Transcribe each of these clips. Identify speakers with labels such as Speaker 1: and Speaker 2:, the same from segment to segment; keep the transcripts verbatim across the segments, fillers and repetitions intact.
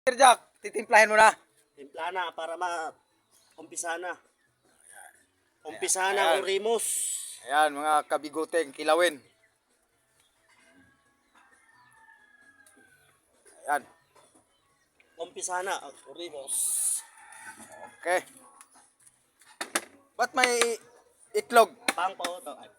Speaker 1: Sir Jack, titimplahin mo na.
Speaker 2: Timpla na para ma-umpisa na. Umpisa na ang
Speaker 1: Ayan.
Speaker 2: rimos.
Speaker 1: Ayan, mga kabigoteng kilawin. Ayan.
Speaker 2: Umpisa na ang rimos.
Speaker 1: Okay. Ba't may itlog?
Speaker 2: Pang pauto. Ay,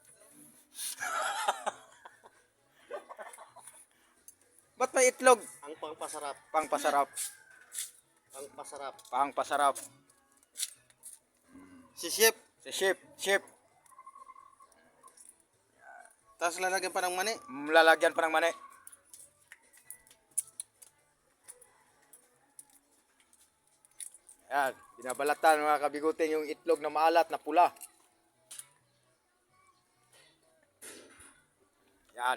Speaker 1: Ba't may itlog?
Speaker 2: ang pangpasarap.
Speaker 1: Pangpasarap.
Speaker 2: Pangpasarap.
Speaker 1: Pangpasarap.
Speaker 3: Si Chef,
Speaker 1: Si Chef, Chef.
Speaker 3: tapos lalagyan pa ng mani.
Speaker 1: Lalagyan pa ng mani. Ayan, binabalatan mga kabigoteng yung itlog na maalat na pula. Yan.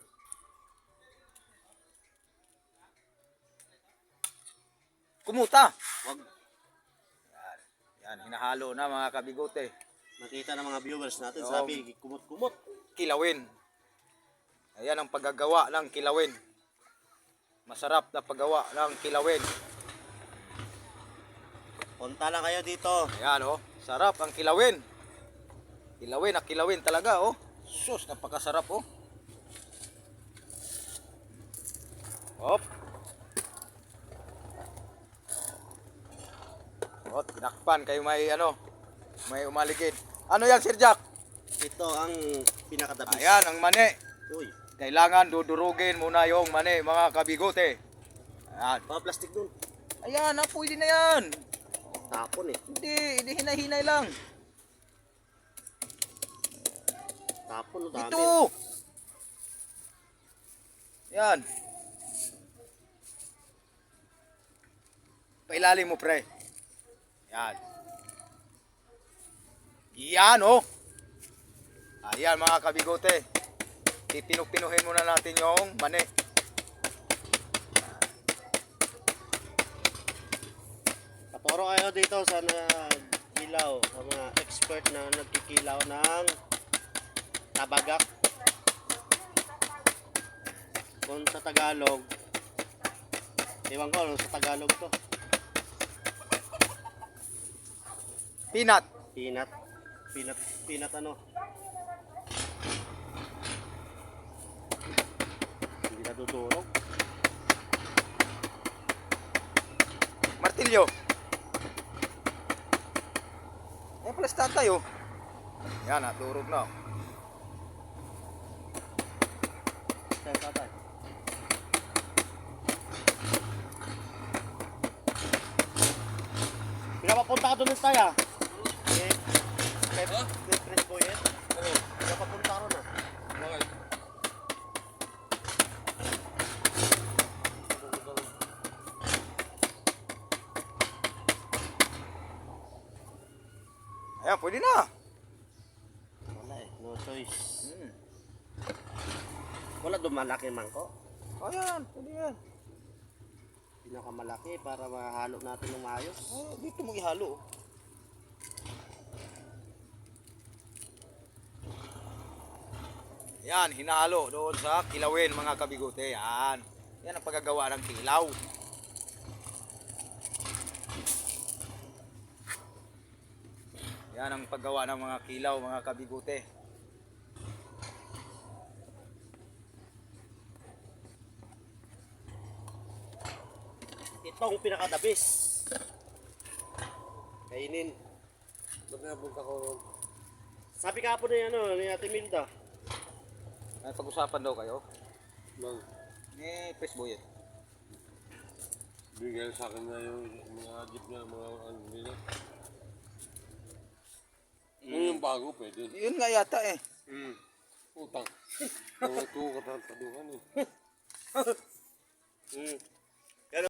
Speaker 1: Kumuta.
Speaker 2: Wag
Speaker 1: Yan, yan hinahalo na mga kabigote.
Speaker 2: makita ng mga viewers natin.
Speaker 1: Oo.
Speaker 2: Sabi, kumot-kumot.
Speaker 1: Kilawin. Ayan ang paggagawa ng kilawin. Masarap na paggawa ng kilawin.
Speaker 2: Punta lang kayo dito.
Speaker 1: Ayan oh, sarap ang kilawin. Kilawin na kilawin talaga oh. Sus, napakasarap oh. Hop. Oh, tinakpan kayo may ano, may umaligid. Ano yan, Sir Jack?
Speaker 2: Ito ang pinakadabis.
Speaker 1: Ayan ang mani.
Speaker 2: Uy,
Speaker 1: Kailangan dudurugin muna yung mani, mga kabigote. Ayan.
Speaker 2: mga plastic dun.
Speaker 1: Ayan, ah, pwede na yan.
Speaker 2: Tapon eh.
Speaker 1: Hindi, hindi hinay-hinay lang.
Speaker 2: Tapon, no, dami.
Speaker 1: Ito. Yan. Pailalim mo, pre. Yan. Yan, oh. Ayan, mga kabigote. Pipinuk-pinuhin muna natin yung mani.
Speaker 2: Taporo kayo dito sa nagkilaw, sa mga expert na nagkikilaw ng tabagak. Kung sa Tagalog, ewan ko ano sa Tagalog to.
Speaker 1: Peanut.
Speaker 2: Peanut. Peanut, peanut ano. Hindi natutulog.
Speaker 1: Martilyo. Yan pala sa tatay, oh. Yan, naturog na.
Speaker 2: Tayo tatay. Pinapapunta ka doon ng tayo. Eh, kay kay Prince Boyet. Oo. Pinapapunta ka ron ah.
Speaker 3: Bakit?
Speaker 1: Ayan, pwede na.
Speaker 2: Wala eh, no choice.
Speaker 1: Hmm.
Speaker 2: Wala doon malaki mangko.
Speaker 1: Ayan, pwede yan.
Speaker 2: Pinakamalaki para mahalo natin ng maayos.
Speaker 1: Oh, dito mo ihalo. Yan, hinalo doon sa kilawin, mga kabigote. Yan. Yan ang paggagawa ng kilaw. Yan ang paggawa ng mga kilaw, mga kabigote.
Speaker 2: Itong pinakadabis. Kainin.
Speaker 3: Ba't napunta ko?
Speaker 2: Sabi ka po na ano, ni Ate Milda.
Speaker 1: May pag-usapan daw kayo.
Speaker 3: Bang,
Speaker 1: Ni Pres Boyet.
Speaker 3: bigyan sa akin na yung mga jeep na mga ano nila. Mm. Yung bago pwede.
Speaker 1: Yun nga yata eh.
Speaker 3: Mm. Utang. Mga tuwa ka taduhan eh.
Speaker 2: Hmm.